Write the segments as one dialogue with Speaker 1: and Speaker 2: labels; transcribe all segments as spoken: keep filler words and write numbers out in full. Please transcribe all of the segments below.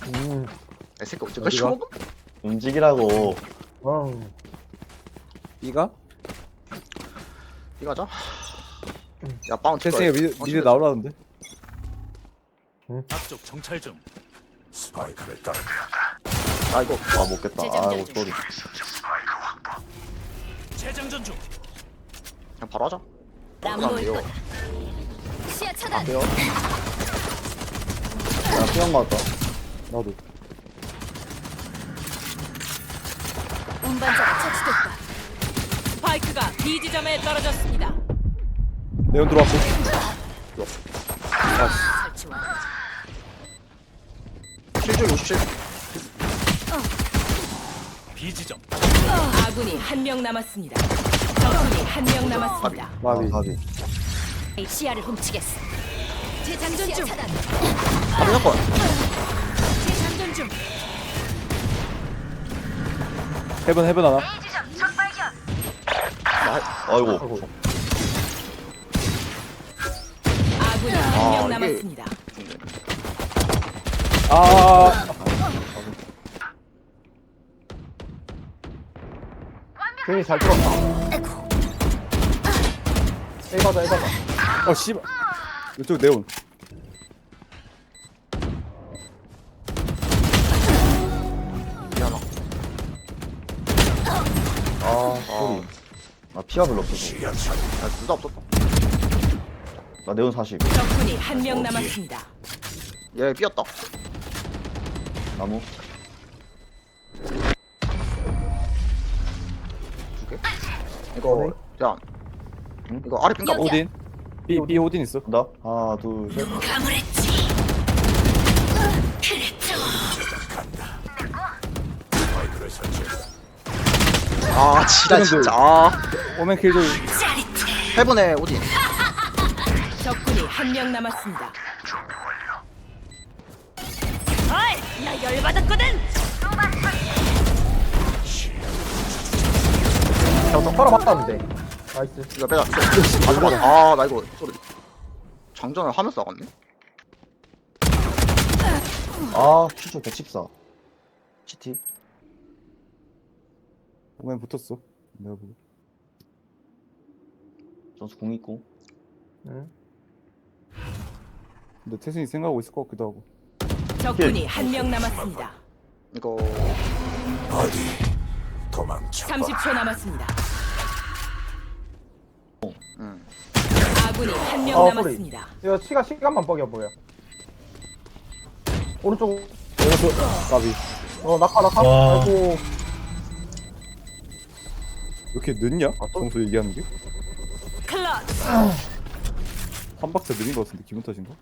Speaker 1: 음,
Speaker 2: 이 새끼 언제까지
Speaker 3: 어디가?
Speaker 2: 먹어?
Speaker 4: 움직이라고.
Speaker 1: 어.
Speaker 3: B가?
Speaker 2: 이거자. 야 빵
Speaker 3: 테스팅에
Speaker 2: 찍어야
Speaker 3: 미드,
Speaker 2: 돼.
Speaker 3: 미드 나오라는데?
Speaker 5: 앞쪽 정찰 중. 스파이크를 따.
Speaker 2: 아 이거
Speaker 4: 아, 못겠다. 아, 이거 쏘리.
Speaker 5: 재장전 중.
Speaker 2: 그냥 바로 하자.
Speaker 6: 남
Speaker 2: 그럼 안
Speaker 6: 보일
Speaker 2: 돼요.
Speaker 6: 거다. 시야 차단.
Speaker 2: 안 돼요.
Speaker 4: 나 피한 거 같다.
Speaker 3: 나도.
Speaker 6: 운반자가 처치됐다.
Speaker 7: 스파이크가 B 지점에 떨어졌습니다.
Speaker 3: 네온 들어왔고.
Speaker 6: 설치 완료.
Speaker 2: 킬줄 오십칠.
Speaker 5: B 지점.
Speaker 7: 아군이 한 명 남았습니다. 적군이 한 명 남았습니다.
Speaker 3: 마비.
Speaker 4: 아, 가비.
Speaker 6: 시야를 훔치겠어. 재장전 중. 차단.
Speaker 2: 바로 잡고.
Speaker 6: 재장전 중.
Speaker 3: 헤븐 헤븐 하나.
Speaker 4: 아이고.
Speaker 7: 아군이 한
Speaker 2: 아,
Speaker 7: 명
Speaker 2: 이게-
Speaker 7: 남았습니다.
Speaker 3: 아.
Speaker 1: 괜히 잘 들었다. 에이바다, 에이바다.
Speaker 3: 어 씨발. 이쪽 네온.
Speaker 2: 미안하.
Speaker 4: 아, 쏘리. 나 피가 별로 없어서.
Speaker 2: 야 둘 다 없었다.
Speaker 4: 나 네온 사십.
Speaker 7: 적군이 한 명 남았습니다.
Speaker 2: 얘 삐었다.
Speaker 4: 나무.
Speaker 2: 두 개. 이거 야.
Speaker 4: 응?
Speaker 2: 이거 아래 핀가 봐.
Speaker 3: 오딘. B B 오딘 있어.
Speaker 4: 나 하나, 둘, 셋.
Speaker 6: 가물했지. 그랬죠.
Speaker 5: 스파이크를 설치했다.
Speaker 2: 아 지랄
Speaker 3: 세븐
Speaker 2: 진짜.
Speaker 3: 둘.
Speaker 2: 아.
Speaker 3: 오멘 킬조이.
Speaker 6: 짜릿해.
Speaker 2: 해븐에 오딘.
Speaker 7: 적군이 한 명 남았습니다.
Speaker 6: 어이, 나 열받았거든.
Speaker 1: 야, 너 팔아 맞다는데. 나이스.
Speaker 2: 이거 빼자. 아 잠깐. 아나 이거 소리. 장전을 하면서 나갔네.
Speaker 4: 아, 퓨처 백십사. 시티.
Speaker 3: 오멘 붙었어. 내가 보고.
Speaker 4: 전수 공 있고.
Speaker 1: 응.
Speaker 3: 근데 태승이 생각하고 있을 것 같기도 하고.
Speaker 7: 적군이 한 명 남았습니다.
Speaker 2: 이거
Speaker 5: 어디 도망쳐.
Speaker 7: 삼십 초 남았습니다.
Speaker 2: 음.
Speaker 7: 아군이 한 명
Speaker 1: 어, 소리.
Speaker 7: 남았습니다.
Speaker 1: 이거 시가 시간만 뻑여 보여. 오른쪽.
Speaker 3: 여기서 마비.
Speaker 1: 어, 낙하, 낙하.
Speaker 8: 와.
Speaker 1: 아이고.
Speaker 3: 왜 이렇게 늦냐? 평소 얘기하는 게?
Speaker 7: 클러치.
Speaker 3: 한 박자 느린 것 같은데 기분 탓인가?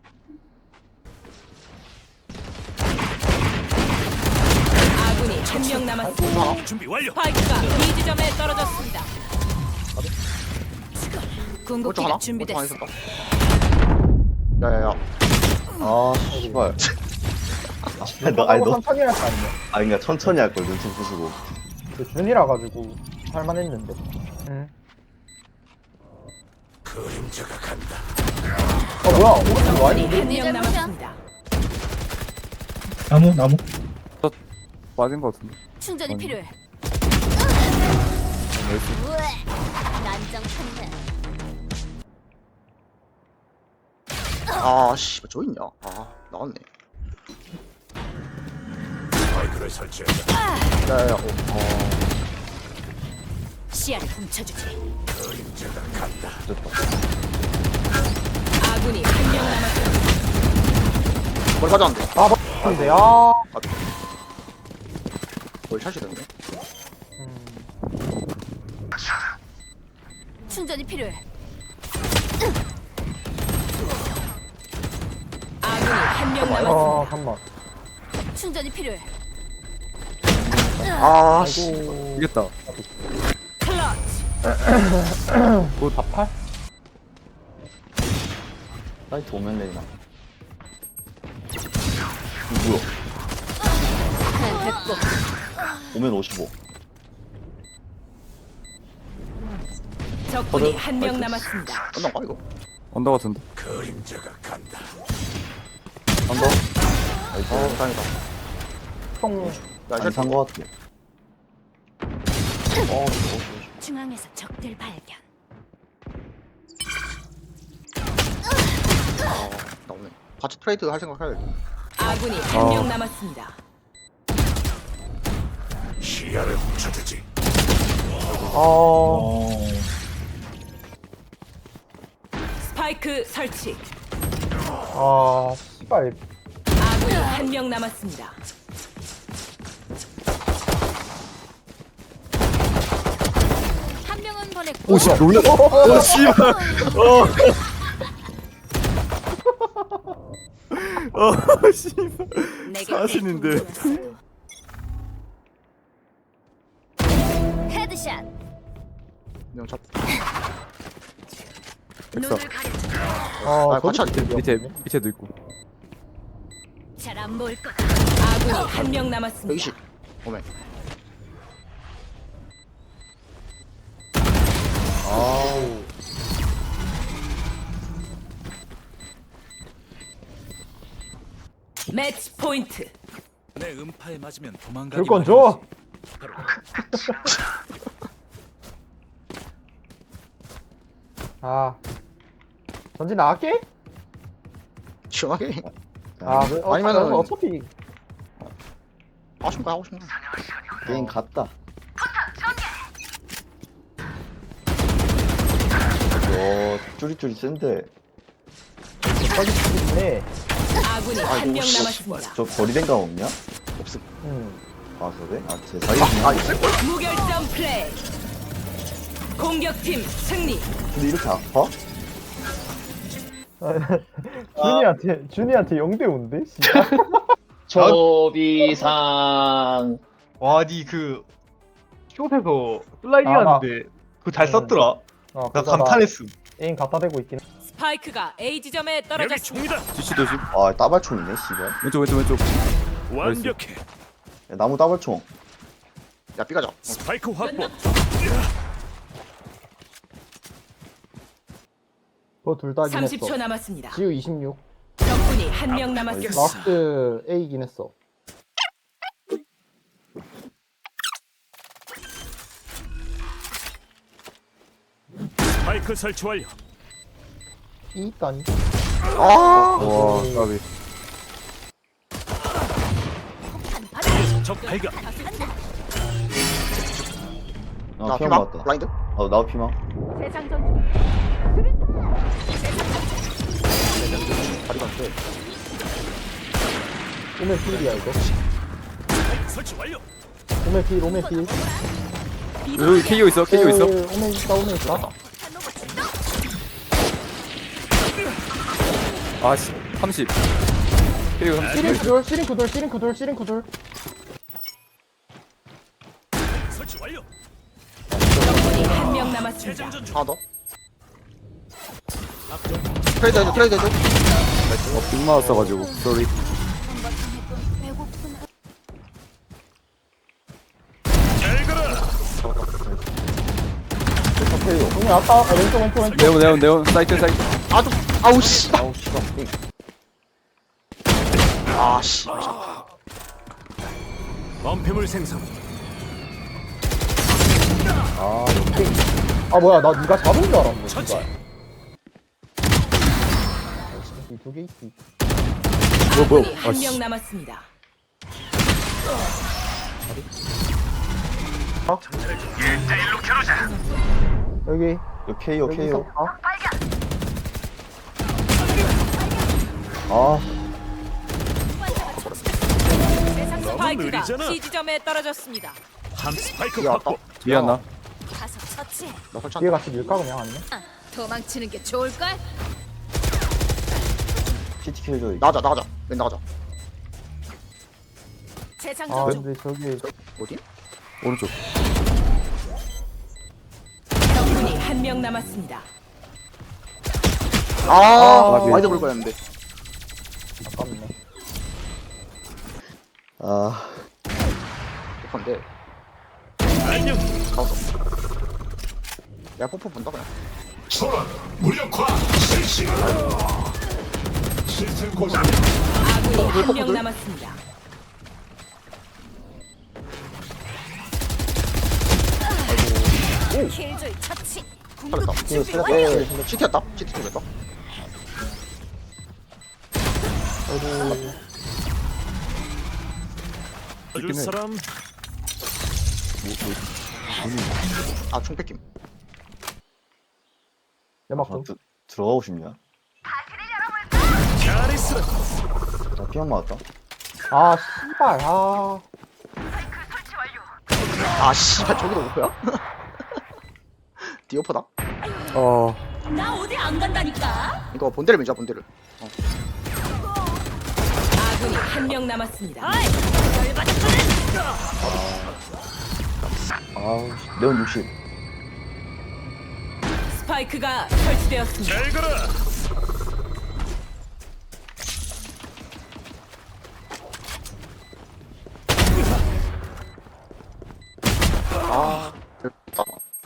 Speaker 7: 아군이 한 명 남았습니다.
Speaker 5: 준비 완료.
Speaker 7: 스파이크가 B 지점에 떨어졌습니다.
Speaker 2: 오른쪽
Speaker 6: 궁극기가
Speaker 2: 하나? 오른쪽 하나
Speaker 6: 준비됐어.
Speaker 2: 있었다. 야야야.
Speaker 4: 아, 씨발. 아, 씨발, 너, 아니, 너,
Speaker 1: 천천히 할 거 아니야.
Speaker 4: 아니, 그니까 천천히 할 걸, 눈치 부수고.
Speaker 1: 그 준이라 가지고 할만했는데. 응.
Speaker 5: 그림자가 간다.
Speaker 1: 어, 뭐야? 오른쪽 와
Speaker 7: 적군이
Speaker 1: 있는데?
Speaker 7: 한 명 남았습니다.
Speaker 8: 나무 나무
Speaker 3: 빠진 것 같은데.
Speaker 6: 충전이
Speaker 3: 아니.
Speaker 6: 필요해.
Speaker 3: 나이스.
Speaker 6: 우에. 난장판이네.
Speaker 2: 아 씨, 저 있냐? 아 나왔네.
Speaker 5: 스파이크를 설치했다.
Speaker 2: 야야야. 어. 어.
Speaker 6: 시야를 훔쳐주지.
Speaker 5: 그림자가 간다.
Speaker 7: 아군이 한 명 남았습니다.
Speaker 2: 뭘 가져왔는데?
Speaker 1: 아, 맞는데. 아.
Speaker 2: 뭘 찾으던데?
Speaker 1: 음.
Speaker 6: 충전이 필요해.
Speaker 7: 아군이 한 명
Speaker 1: 아,
Speaker 7: 남았습니다.
Speaker 1: 잠깐만.
Speaker 6: 충전이 필요해.
Speaker 2: 아 씨.
Speaker 1: 아이고.
Speaker 3: 이겼다.
Speaker 7: 클러치.
Speaker 3: 그거 다 팔?
Speaker 4: 사이트 오면 레이나. 이거 뭐야?
Speaker 6: 난 됐고.
Speaker 4: 오면 오십오.
Speaker 7: 적군이 한 명 남았습니다.
Speaker 2: 끝난 거 이거?
Speaker 3: 언더 같은데.
Speaker 5: 그림자가 간다.
Speaker 4: 언더?
Speaker 2: 어 다행이다.
Speaker 1: 총.
Speaker 2: 나
Speaker 4: 안 산 거 같아. 어,
Speaker 6: 중앙에서 적들 발견.
Speaker 2: 아, 나오네. 같이 트레이드 할 생각 해야지.
Speaker 7: 아군이 한
Speaker 3: 어.
Speaker 7: 명 남았습니다.
Speaker 5: 시야를 훔쳐주지.
Speaker 1: 어.
Speaker 4: 어.
Speaker 7: 스파이크 설치.
Speaker 1: 아, 씨발.
Speaker 7: 아군이 한 명 남았습니다.
Speaker 6: 한 명은 보냈고.
Speaker 3: 오씨 놀래. 오 씨발. 어. 어 씨발.
Speaker 6: 내게
Speaker 3: 사신인데.
Speaker 6: 배신 들었어도. 헤드샷.
Speaker 2: 그냥 잡.
Speaker 3: 백사.
Speaker 1: 아,
Speaker 2: 아, 같이
Speaker 1: 저기
Speaker 2: 할게.
Speaker 3: 밑에 밑에도 있고.
Speaker 6: 잘안 보일 거다.
Speaker 7: 아군이 한 명 남았습니다.
Speaker 2: 백이십. 오메.
Speaker 4: 아우.
Speaker 7: 매치 포인트.
Speaker 5: 내 음파에 맞으면 도망가기
Speaker 1: 줄 건 줘. 아. 전진 나갈게?
Speaker 2: 시원하게.
Speaker 1: 아, 그, 어,
Speaker 2: 아니면은-
Speaker 1: 어차피.
Speaker 2: 하고 싶은 거 하고 싶은 거.
Speaker 4: 게임 갔다. 와, 쭈리쭈리 센데.
Speaker 1: 빨리 죽겠네.
Speaker 7: 아군이 한 명 남았습니다.
Speaker 4: 저 거리 생각 없냐?
Speaker 2: 없음.
Speaker 1: 응.
Speaker 4: 아, 그래? 아, 제 사이즈냐?
Speaker 2: 아 있을 걸.
Speaker 7: 무결점 플레이. 공격팀 승리.
Speaker 4: 근데 이렇게 아파?
Speaker 1: 준이한테, 준이한테 영 대 오인데? 진짜?
Speaker 8: 초비상
Speaker 9: 와, 니 그, 숏에서 슬라이딩
Speaker 1: 아, 나-
Speaker 9: 하는데, 그거 잘
Speaker 1: 응.
Speaker 9: 썼더라.
Speaker 1: 어,
Speaker 9: 나
Speaker 1: 그거
Speaker 9: 감탄했음.
Speaker 1: 에임 갖다 대고 있긴 해.
Speaker 7: 스파이크가 A 지점에 떨어졌습니다.
Speaker 3: 지시 조심.
Speaker 4: 아, 따발총이네, 씨발.
Speaker 3: 왼쪽 왼쪽 왼쪽.
Speaker 5: 완벽해.
Speaker 4: 야, 나무 따발총.
Speaker 2: 야 삐가자.
Speaker 5: 스파이크 확보.
Speaker 1: 그거 둘 다긴
Speaker 7: 삼십 초
Speaker 1: 했어.
Speaker 7: 남았습니다.
Speaker 1: 지우 이십육.
Speaker 7: 적군이 한 명 남았습니다.
Speaker 1: 라스트 A긴 했어.
Speaker 5: 스파이크 설치 완료.
Speaker 1: 이 있다니.
Speaker 2: 아.
Speaker 3: 와 까비.
Speaker 5: 적 발견.
Speaker 4: 아,
Speaker 2: 나
Speaker 4: 피망
Speaker 2: 피망.
Speaker 4: 맞다.
Speaker 2: 블라인드.
Speaker 4: 어, 나도 피망.
Speaker 6: 재장전 중.
Speaker 2: 다리가 안 돼.
Speaker 1: 오멘 필이야, 이거.
Speaker 5: 스파이크 설치 완료.
Speaker 1: 오멘 필, 오멘 필.
Speaker 3: 여기 케이오 있어 케이오 있어.
Speaker 1: 에, 오멘 있다, 오멘 있다.
Speaker 3: 아씨 삼십. 케이오 삼십.
Speaker 1: 시링 구돌, 시링 구돌, 시링 구돌, 시링 구돌.
Speaker 5: 설치 완료.
Speaker 7: 적군이 한 명 남았습니다.
Speaker 5: 재장전 중.
Speaker 2: 하나 더. 트레이드 해줘. 트레이드 해줘.
Speaker 3: 어, 빅 맞았어가지고. 쏘리.
Speaker 6: 배고픈.
Speaker 5: 잘 가라.
Speaker 1: 오멘 왔다. 아, 왼쪽, 왼쪽, 왼쪽.
Speaker 3: 네온 네온 네온 사이트 사이트.
Speaker 2: 아주 아우 씨.
Speaker 4: 아우, 씨발.
Speaker 2: 아 씨.
Speaker 5: 범패물 생성.
Speaker 4: 아,
Speaker 1: 아, 뭐야, 나 니가 잡은 줄 알았네,
Speaker 5: 처치.
Speaker 1: 씨발. 두개 있지.
Speaker 7: 아군이
Speaker 3: 아,
Speaker 7: 한
Speaker 3: 씨.
Speaker 7: 명 남았습니다.
Speaker 1: 여기.
Speaker 4: 요 케이오,
Speaker 1: 여기
Speaker 4: 케이오.
Speaker 1: 있었다.
Speaker 4: 아,
Speaker 7: 스파이크가
Speaker 5: 느리잖아.
Speaker 7: C 지점에 떨어졌습니다.
Speaker 5: 함 스파이크
Speaker 2: 이게 왔다.
Speaker 5: 확보.
Speaker 3: 미안나.
Speaker 6: 가서 처치해.
Speaker 2: 나 설치.
Speaker 1: 뒤에 같이 밀까, 그냥 아니면?
Speaker 6: 아, 도망치는 게 좋을걸?
Speaker 4: 피티 킬줘.
Speaker 2: 나가자 나가자. 맨 나가자.
Speaker 6: 재장전
Speaker 1: 아,
Speaker 6: 중.
Speaker 1: 근데 저기.
Speaker 2: 어디?
Speaker 3: 오른쪽.
Speaker 7: 적군이 한 명 남았습니다.
Speaker 2: 아
Speaker 3: 맞지.
Speaker 2: 와이드 볼 거였는데.
Speaker 1: 아깝네.
Speaker 4: 아,
Speaker 2: 근데
Speaker 5: 안녕.
Speaker 2: 가서. 야 뽀뽀 본다 그냥.
Speaker 5: 초란 무력화 실시.
Speaker 7: 아군이 한 명 남았습니다.
Speaker 6: 킬조이 처치.
Speaker 2: 살렸다.
Speaker 4: 이거 슬랩
Speaker 2: 시티였다. 시티 쪽이었다.
Speaker 5: 줄 사람
Speaker 2: 아, 총 뺏김.
Speaker 1: 연막
Speaker 4: 아,
Speaker 1: 좀.
Speaker 4: 드, 들어가고 싶냐?
Speaker 5: 잘 있어.
Speaker 4: 나 피한 맞았다.
Speaker 1: 아 씨발 아.
Speaker 2: 아, 씨발, 저기도 오퍼야? 디오퍼다?
Speaker 3: 어
Speaker 6: 나 어디 안 간다니까.
Speaker 2: 이거 본대를 밀자, 본대를.
Speaker 7: 아군이 한 명 남았습니다.
Speaker 4: 아우, 네온 육십.
Speaker 7: 스파이크가 설치되었습니다.
Speaker 5: 잘 가라.
Speaker 2: 아, 됐다.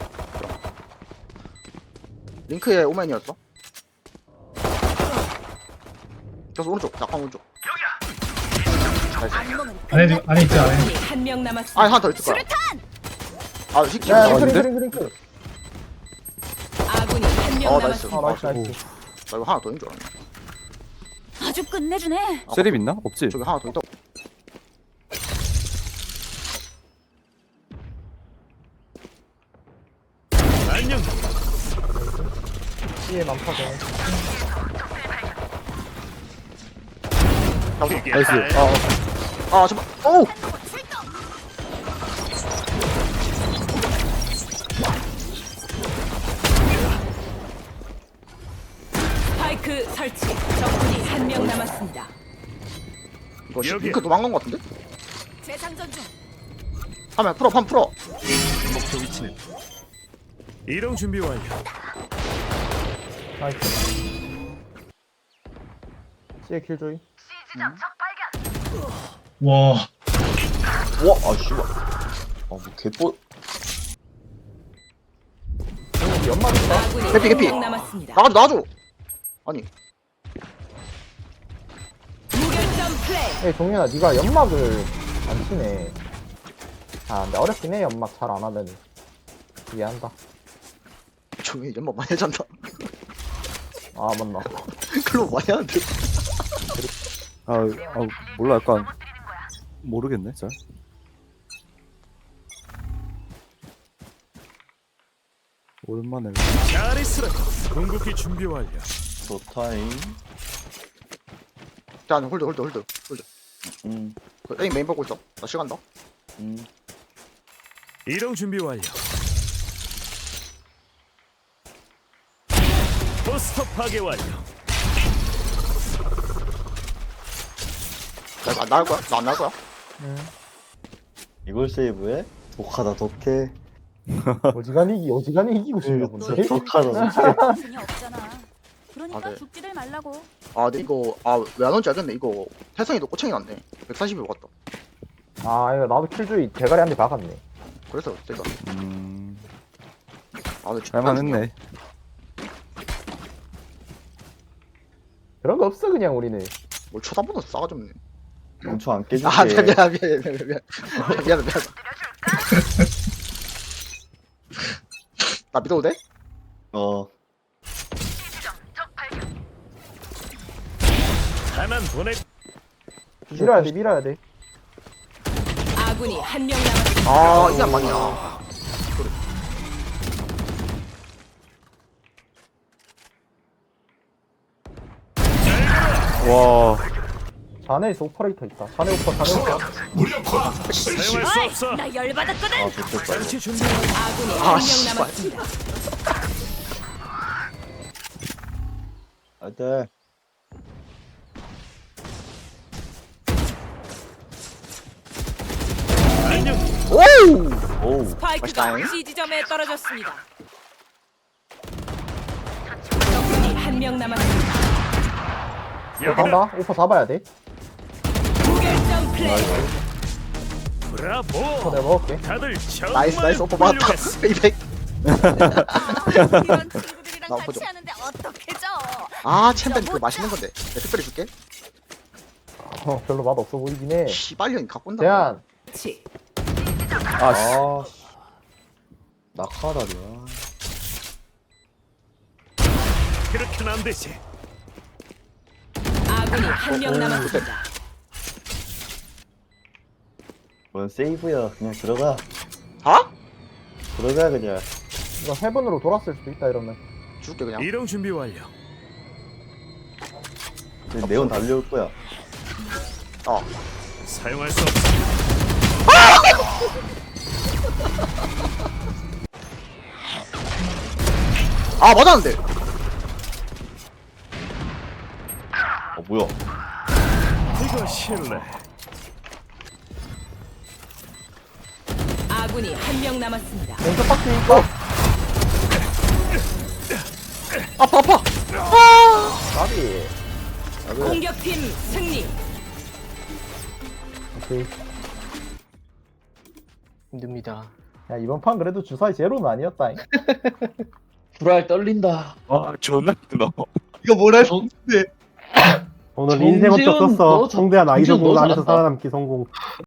Speaker 2: 링크의 오맨이었어. 그래서 오른쪽, 약간 오른쪽.
Speaker 6: 안녕은
Speaker 8: 안에 있- 안에 있지 안에.
Speaker 7: 아군이 한 명 남았습니다.
Speaker 2: 아, 하나 더 있을 거야. 아, 시키.
Speaker 1: 야
Speaker 2: 아,
Speaker 1: 링크
Speaker 3: 아닌데?
Speaker 1: 링크 링크 링크.
Speaker 7: 아군이 한 명
Speaker 2: 어, 나이스.
Speaker 7: 남았습니다.
Speaker 1: 아 나이스 나이스.
Speaker 2: 나 이거 하나 더 있는 줄 알았네.
Speaker 6: 아주 끝내주네.
Speaker 3: 세립 있나? 없지?
Speaker 2: 저기 하나 더 있다.
Speaker 5: 안녕.
Speaker 1: C에 만파전.
Speaker 3: 나이스.
Speaker 2: 아, 아, 잠깐. 오!
Speaker 7: 스파이크 설치. 적군이 한 명 남았습니다.
Speaker 2: 이거 시-
Speaker 5: 여기.
Speaker 2: 링크 도망간 것 같은데?
Speaker 6: 재상전 중.
Speaker 2: 하면 풀어, 판 풀어.
Speaker 5: 목표 위치는 이동 준비 완료.
Speaker 1: 나이스. C에 킬조이.
Speaker 8: 와.
Speaker 4: 와, 아, 씨발. 아, 뭐, 개뽀.
Speaker 1: 연막 있다.
Speaker 7: 아군이
Speaker 2: 개피,
Speaker 7: 한
Speaker 2: 개피.
Speaker 7: 명 남았습니다.
Speaker 2: 나가줘, 나가줘. 아니,
Speaker 7: 무결점 플레이.
Speaker 1: 에이 종현아 네가 연막을 안 치네. 아 근데 어렵긴 해 연막 잘 안 하면. 이해한다.
Speaker 2: 종이 연막 많이 하잖아.
Speaker 1: 아 맞나.
Speaker 2: 클럽 많이 하는데.
Speaker 3: 아, 아 몰라 약간 모르겠네 잘. 오랜만에
Speaker 5: 잘 있어. 궁극기 준비 완료.
Speaker 4: 좋다잉.
Speaker 2: 자, 홀드, 홀드, 홀드, 홀드.
Speaker 4: 음,
Speaker 2: 그 에이 메인 보고 있어. 나 시간 더.
Speaker 4: 음.
Speaker 5: 이동 준비 완료. 포스터 파괴 완료.
Speaker 2: 나, 나 나갈 거야? 나 안 나갈 거야?
Speaker 4: 이걸 세이브해? 독하다, 독해.
Speaker 1: 어지간히 이기 어지간히 이기고 싶나 본데.
Speaker 4: 독하다, 독해.
Speaker 6: 분이 없잖아. 그러니까
Speaker 2: 아, 네.
Speaker 6: 죽지들 말라고.
Speaker 2: 아, 근데 이거, 아, 왜 안 온지 알겠네. 이거, 태성이도 꼬챙이 났네. 백사십일 같다.
Speaker 1: 아 이거 나도 킬조이 대가리 한 대 박았네.
Speaker 2: 그래서, 제가.
Speaker 3: 음
Speaker 2: 아, 근데
Speaker 3: 할만했네.
Speaker 1: 그런 거 없어 그냥 우리는.
Speaker 2: 뭘 쳐다보는 싸가지 없네.
Speaker 4: 엄청 안 깨줄게.
Speaker 2: 아, 미안, 미안, 미안, 미안, 미안, 미안. 미안, 미안. 나 믿어도 돼?
Speaker 4: 어,
Speaker 5: 하나는 보내.
Speaker 1: 밀어야 돼 밀어야 돼.
Speaker 7: 아군이 한 명 남았습니다.
Speaker 2: 아, 이게 안 맞냐.
Speaker 3: 와
Speaker 1: 자네에서 오퍼레이터 있다. 자네 오퍼 자네 오퍼.
Speaker 5: 사용할 수 없어.
Speaker 6: 나 열받았거든.
Speaker 4: 아, 좋겠다.
Speaker 5: 장치 준비.
Speaker 7: 아군이
Speaker 2: 아,
Speaker 7: 한 명
Speaker 2: 씨발.
Speaker 7: 남았습니다.
Speaker 4: 하여튼,
Speaker 5: 안녕.
Speaker 2: 오우!
Speaker 4: 오우.
Speaker 7: 스파이크가
Speaker 2: 맛있다잉.
Speaker 7: C 지점에 떨어졌습니다. 적군이 한 명 남았습니다.
Speaker 1: 오퍼
Speaker 5: 여기다.
Speaker 1: 간다. 오퍼 잡아야 돼.
Speaker 7: 무결점 플레이.
Speaker 1: 오퍼
Speaker 5: 브라보.
Speaker 1: 내가 먹을게.
Speaker 5: 다들 정말
Speaker 2: 나이스, 나이스. 오빠 맞았다.
Speaker 5: 훌륭했어.
Speaker 2: 이백.
Speaker 6: 이런 친구들이 우리랑
Speaker 2: 나
Speaker 6: 같이
Speaker 2: 보죠.
Speaker 6: 하는데 어떻게 져?
Speaker 2: 아 챔벤 그 맛있는 건데 내가 특별히 줄게.
Speaker 1: 어, 별로 맛 없어 보이긴 해.
Speaker 2: 씨발년 갖고 온다.
Speaker 1: 대한
Speaker 7: 치.
Speaker 3: 아, 씨.
Speaker 4: 아, 씨. 낙하다리야.
Speaker 5: 그렇게는 안 되지.
Speaker 7: 아군이 한 명 남았습니다.
Speaker 4: 뭔 세이브야. 그냥 들어가.
Speaker 2: 아?
Speaker 4: 들어가, 그냥.
Speaker 1: 이거 헤븐으로 돌았을 수도 있다 이러면.
Speaker 2: 줄게 그냥.
Speaker 5: 이동 준비 완료.
Speaker 4: 그냥 네온 달려올 거야.
Speaker 2: 어.
Speaker 5: 사용할 수 없어.
Speaker 2: 아 맞았는데.
Speaker 4: 어, 뭐야.
Speaker 5: 이거 실례.
Speaker 7: 아군이 한 명 남았습니다.
Speaker 1: 왼쪽 박스 있고.
Speaker 2: 아파 아파.
Speaker 1: 나비.
Speaker 7: 공격팀 승리.
Speaker 1: 오케이.
Speaker 8: 힘듭니다.
Speaker 1: 야 이번 판 그래도 주사위 제로는 아니었다.
Speaker 8: 불알 떨린다.
Speaker 3: 아, 존나 힘들어.
Speaker 2: 이거 뭐라
Speaker 8: 정-
Speaker 2: 했는데.
Speaker 10: 오늘
Speaker 8: 정재훈,
Speaker 10: 인생 어쩌 썼어.
Speaker 8: 너 정-
Speaker 10: 성대한 아이돌
Speaker 8: 정재훈
Speaker 10: 부분
Speaker 8: 너
Speaker 10: 안에서
Speaker 8: 잘한다.
Speaker 10: 살아남기 성공.